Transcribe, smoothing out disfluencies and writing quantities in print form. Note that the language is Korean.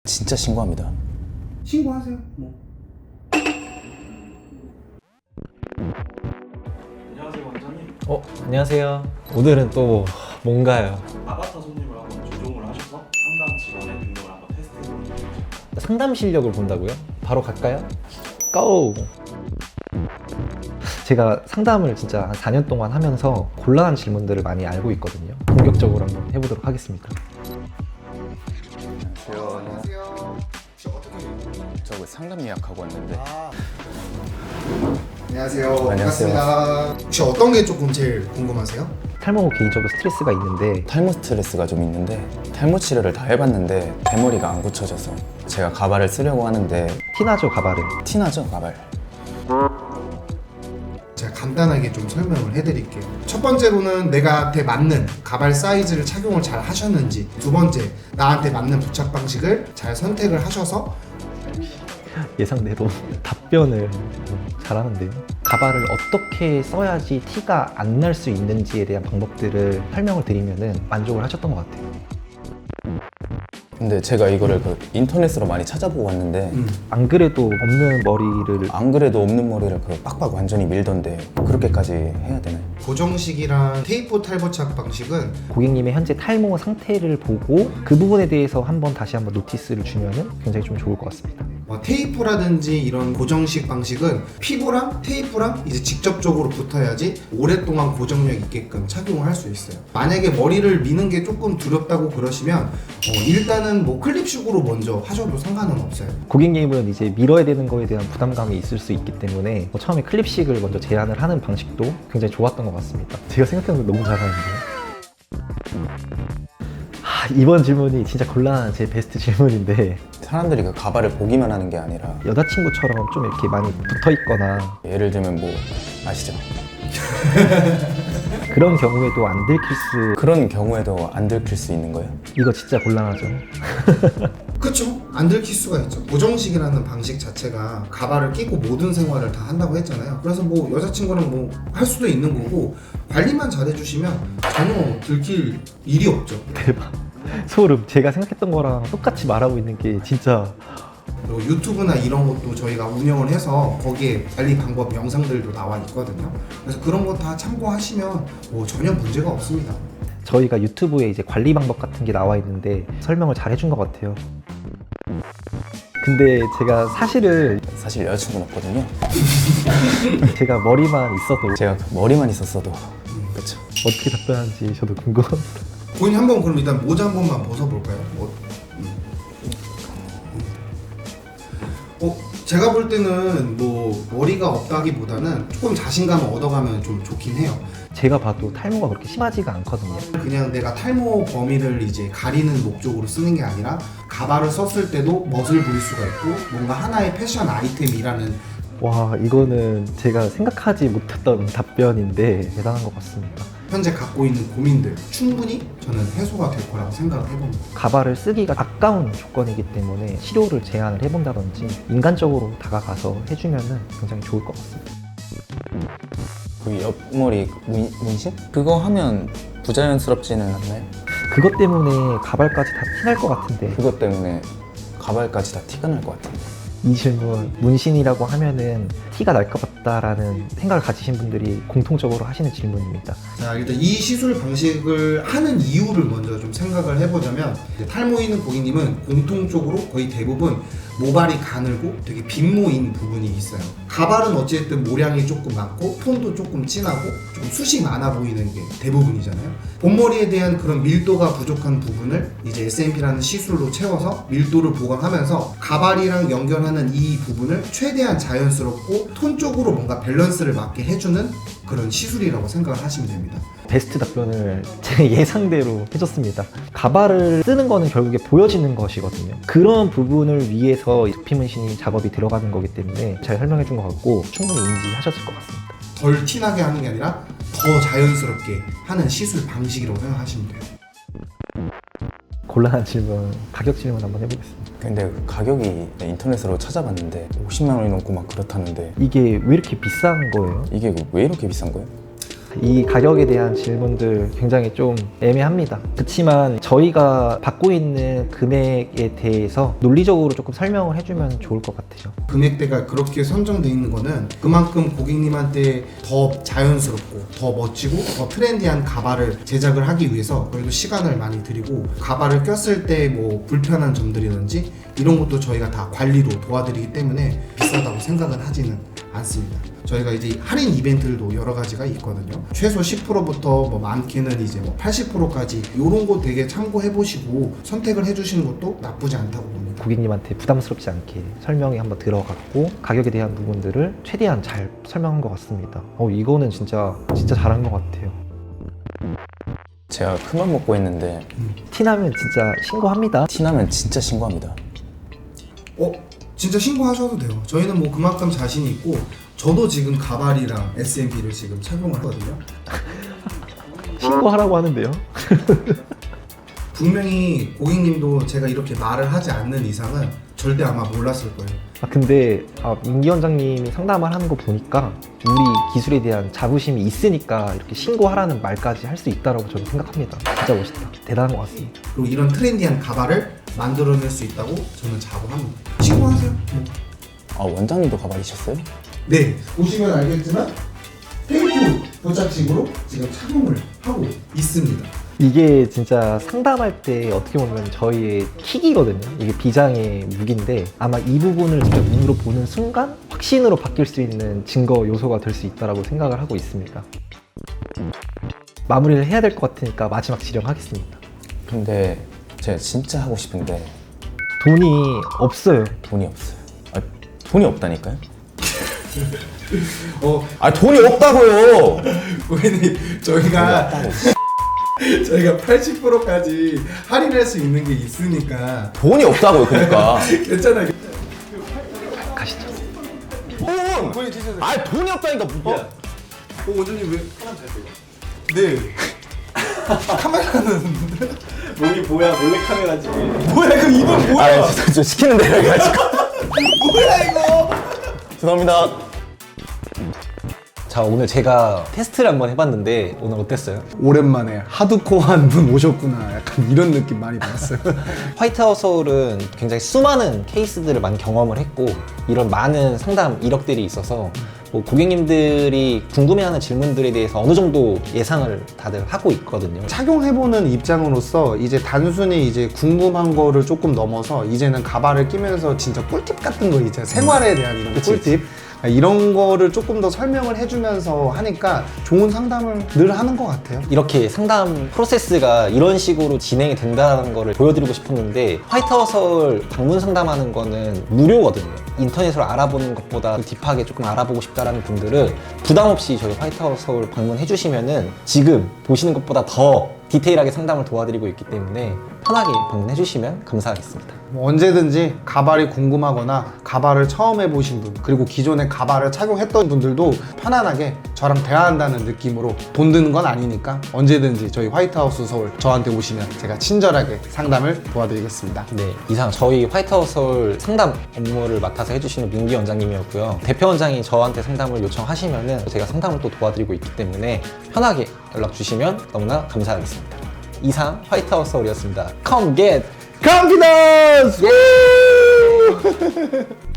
진짜 신고합니다. 신고하세요. 뭐. 안녕하세요 원장님. 안녕하세요. 오늘은 또 뭔가요? 아바타 손님을 한번 조종을 하셔서 상담 직원의 능력을 한번 테스트해보는 거죠. 상담 실력을 본다고요? 바로 갈까요? 고! 제가 상담을 진짜 한 4년 동안 하면서 곤란한 질문들을 많이 알고 있거든요. 본격적으로 한번 해보도록 하겠습니다. 안녕하세요. 혹시 어떻게? 저 상담 예약하고 왔는데 안녕하세요. 안녕하세요. 반갑습니다. 혹시 어떤 게 조금 제일 궁금하세요? 탈모 개인적으로 스트레스가 있는데 탈모 스트레스가 좀 있는데 탈모 치료를 다 해봤는데 대머리가 안 고쳐져서 제가 가발을 쓰려고 하는데 티나죠, 가발은? 티나죠 가발? 제가 간단하게 좀 설명을 해드릴게요. 첫 번째로는 내가한테 맞는 가발 사이즈를 착용을 잘 하셨는지, 두 번째, 나한테 맞는 부착 방식을 잘 선택을 하셔서 예상대로 답변을 잘하는데요. 가발을 어떻게 써야지 티가 안 날 수 있는지에 대한 방법들을 설명을 드리면은 만족을 하셨던 것 같아요. 근데 제가 이거를 그 인터넷으로 많이 찾아보고 왔는데 안 그래도 없는 머리를 안 그래도 없는 머리를 그 빡빡 완전히 밀던데 그렇게까지 해야 되나요? 고정식이랑 테이프 탈부착 방식은 고객님의 현재 탈모 상태를 보고 그 부분에 대해서 다시 한번 노티스를 주면은 굉장히 좀 좋을 것 같습니다. 테이프라든지 이런 고정식 방식은 피부랑 테이프랑 이제 직접적으로 붙어야지 오랫동안 고정력 있게끔 착용을 할 수 있어요. 만약에 머리를 미는 게 조금 두렵다고 그러시면 일단은 뭐 클립식으로 먼저 하셔도 상관은 없어요. 고객님은 이제 밀어야 되는 거에 대한 부담감이 있을 수 있기 때문에 처음에 클립식을 먼저 제안을 하는 방식도 굉장히 좋았던 것 같습니다. 제가 생각하는 거 너무 잘하는데요. 이번 질문이 진짜 곤란한 제 베스트 질문인데 사람들이 그 가발을 보기만 하는 게 아니라 여자친구처럼 좀 이렇게 많이 붙어 있거나 예를 들면 뭐 아시죠? 그런 경우에도 안 들킬 수 그런 경우에도 안 들킬 수 있는 거예요? 이거 진짜 곤란하죠. 그쵸? 안 들킬 수가 있죠. 고정식이라는 방식 자체가 가발을 끼고 모든 생활을 다 한다고 했잖아요. 그래서 뭐 여자친구랑 뭐 할 수도 있는 거고 관리만 잘해주시면 전혀 들킬 일이 없죠. 대박. 소름. 제가 생각했던 거랑 똑같이 말하고 있는 게 진짜 그리고 유튜브나 이런 것도 저희가 운영을 해서 거기에 관리 방법 영상들도 나와 있거든요. 그래서 그런 거 다 참고하시면 뭐 전혀 문제가 없습니다. 저희가 유튜브에 이제 관리 방법 같은 게 나와 있는데 설명을 잘 해준 것 같아요. 근데 제가 사실은 사실 여자친구는 없거든요. 제가 머리만 있어도 제가 그 머리만 있었어도 그렇죠. 어떻게 답변하는지 저도 궁금합니다. 본인 한번 그럼 일단 모자 한 번만 벗어볼까요? 제가 볼 때는 뭐 머리가 없다기보다는 조금 자신감을 얻어가면 좀 좋긴 해요. 제가 봐도 탈모가 그렇게 심하지가 않거든요. 그냥 내가 탈모 범위를 이제 가리는 목적으로 쓰는 게 아니라 가발을 썼을 때도 멋을 부릴 수가 있고 뭔가 하나의 패션 아이템이라는 와, 이거는 제가 생각하지 못했던 답변인데 대단한 것 같습니다. 현재 갖고 있는 고민들 충분히 저는 해소가 될 거라고 생각을 해봅니다. 가발을 쓰기가 아까운 조건이기 때문에 치료를 제안을 해본다든지 인간적으로 다가가서 해주면은 굉장히 좋을 것 같습니다. 그 옆머리 문신? 그거 하면 부자연스럽지는 않나요? 그것 때문에 가발까지 다 티날 것 같은데 그것 때문에 가발까지 다 티가 날 것 같아요. 이 질문 문신이라고 하면은 티가 날 것 같다라는 생각을 가지신 분들이 공통적으로 하시는 질문입니다. 자, 일단 이 시술 방식을 하는 이유를 먼저 좀 생각을 해보자면 이제 탈모 있는 고객님은 공통적으로 거의 대부분 모발이 가늘고 되게 빈모인 부분이 있어요. 가발은 어쨌든 모량이 조금 많고 톤도 조금 진하고 좀 숱이 많아 보이는 게 대부분이잖아요. 본머리에 대한 그런 밀도가 부족한 부분을 이제 SMP라는 시술로 채워서 밀도를 보강하면서 가발이랑 연결하는 이 부분을 최대한 자연스럽고 톤 쪽으로 뭔가 밸런스를 맞게 해주는 그런 시술이라고 생각을 하시면 됩니다. 베스트 답변을 제 예상대로 해줬습니다. 가발을 쓰는 거는 결국에 보여지는 것이거든요. 그런 부분을 위해서 두피 문신이 작업이 들어가는 거기 때문에 잘 설명해 준 것 같고 충분히 인지하셨을 것 같습니다. 덜 티나게 하는 게 아니라 더 자연스럽게 하는 시술 방식이라고 생각하시면 돼요. 곤란한 질문, 가격 질문 한번 해보겠습니다. 근데 그 가격이 인터넷으로 찾아봤는데 50만 원이 넘고 막 그렇다는데 이게 왜 이렇게 비싼 거예요? 이게 왜 이렇게 비싼 거예요? 이 가격에 대한 질문들 굉장히 좀 애매합니다. 그렇지만 저희가 받고 있는 금액에 대해서 논리적으로 조금 설명을 해주면 좋을 것 같아요. 금액대가 그렇게 선정돼 있는 거는 그만큼 고객님한테 더 자연스럽고 더 멋지고 더 트렌디한 가발을 제작을 하기 위해서 그래도 시간을 많이 들이고 가발을 꼈을 때 뭐 불편한 점들이든지 이런 것도 저희가 다 관리로 도와드리기 때문에 비싸다고 생각은 하지는 않습니다. 저희가 이제 할인 이벤트들도 여러 가지가 있거든요. 최소 10%부터 뭐 많게는 이제 뭐 80%까지 이런 거 되게 참고해 보시고 선택을 해주시는 것도 나쁘지 않다고 봅니다. 고객님한테 부담스럽지 않게 설명이 한번 들어갔고 가격에 대한 부분들을 최대한 잘 설명한 것 같습니다. 이거는 진짜 잘한 것 같아요. 제가 큰맘 먹고 했는데 티나면 진짜 신고합니다. 티나면 진짜 신고합니다. 진짜 신고하셔도 돼요. 저희는 뭐 그만큼 자신이 있고 저도 지금 가발이랑 SMP를 지금 착용을 하거든요. 신고하라고 하는데요. 분명히 고객님도 제가 이렇게 말을 하지 않는 이상은 절대 아마 몰랐을 거예요. 근데 민기 원장님이 상담을 하는 거 보니까 우리 기술에 대한 자부심이 있으니까 이렇게 신고하라는 말까지 할 수 있다고 저는 생각합니다. 진짜 멋있다. 대단한 것 같습니다. 그리고 이런 트렌디한 가발을 만들어낼 수 있다고 저는 자부합니다. 신고하세요. 원장님도 가발이셨어요? 네, 보시면 알겠지만 테이프 도착식으로 지금 착용을 하고 있습니다. 이게 진짜 상담할 때 어떻게 보면 저희의 킥이거든요. 이게 비장의 무기인데 아마 이 부분을 진짜 눈으로 보는 순간 확신으로 바뀔 수 있는 증거 요소가 될 수 있다고 생각을 하고 있습니다. 마무리를 해야 될 것 같으니까 마지막 지령하겠습니다. 근데 제가 진짜 하고 싶은데 돈이 없어요. 돈이 없어요. 돈이 없다니까요? 돈이 없다고요! 고객님 저희가 80%까지 할인할 수 있는 게 있으니까 돈이 없다고요, 그러니까. 괜찮아요. 가시죠. 돈이 없다니까. 원장님 왜 카메라 잘 돼요? 네. 카메라는 여기 뭐야 몰래 카메라지. 뭐야 이거 이건 뭐야? 저 시키는 대로 해가지고. 뭐야 이거? 죄송합니다. 자, 오늘 제가 테스트를 한번 해봤는데 오늘 어땠어요? 오랜만에 하드코어한 분 오셨구나 약간 이런 느낌 많이 받았어요. 화이트하우스 서울은 굉장히 수많은 케이스들을 많이 경험을 했고 이런 많은 상담 이력들이 있어서 뭐 고객님들이 궁금해하는 질문들에 대해서 어느 정도 예상을 다들 하고 있거든요. 착용해보는 입장으로서 이제 단순히 이제 궁금한 거를 조금 넘어서 이제는 가발을 끼면서 진짜 꿀팁 같은 거 이제 생활에 대한 이런 꿀팁 이런 거를 조금 더 설명을 해주면서 하니까 좋은 상담을 늘 하는 것 같아요. 이렇게 상담 프로세스가 이런 식으로 진행이 된다는 거를 보여드리고 싶었는데 화이트하우스 서울 방문 상담하는 거는 무료거든요. 인터넷으로 알아보는 것보다 딥하게 조금 알아보고 싶다라는 분들은 부담 없이 저희 화이트하우스 서울 방문해 주시면은 지금 보시는 것보다 더 디테일하게 상담을 도와드리고 있기 때문에 편하게 방문해 주시면 감사하겠습니다. 뭐 언제든지 가발이 궁금하거나 가발을 처음 해보신 분 그리고 기존에 가발을 착용했던 분들도 편안하게 저랑 대화한다는 느낌으로 돈 드는 건 아니니까 언제든지 저희 화이트하우스 서울 저한테 오시면 제가 친절하게 상담을 도와드리겠습니다. 네, 이상 저희 화이트하우스 서울 상담 업무를 맡아서 해주시는 민기 원장님이었고요. 대표 원장이 저한테 상담을 요청하시면은 제가 상담을 또 도와드리고 있기 때문에 편하게 연락 주시면 너무나 감사하겠습니다. 이상 화이트하우스 서울이었습니다. Come get confidence!